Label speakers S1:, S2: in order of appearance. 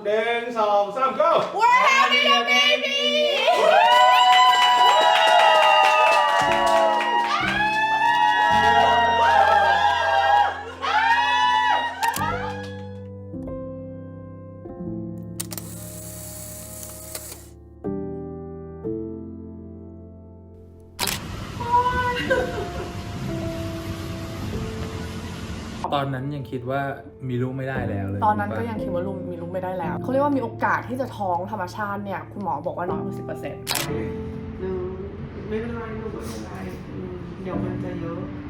S1: 1 2 3 go
S2: We're having a baby
S3: ตอนนั้นยังคิดว่ามีลูกไม่ได้แล้วเลย
S2: ตอนนั้นก็ยังคิดว่ามีลูกไม่ได้แล้วเขาเรียกว่ามีโอกาสที่จะท้องธรรมชาติเนี่ยคุณหมอบอกว่าน้อยกว่า 10%
S4: ไม่เป็นไรลูกไม่เป็นไรเดี๋ยวมันจะเยอะ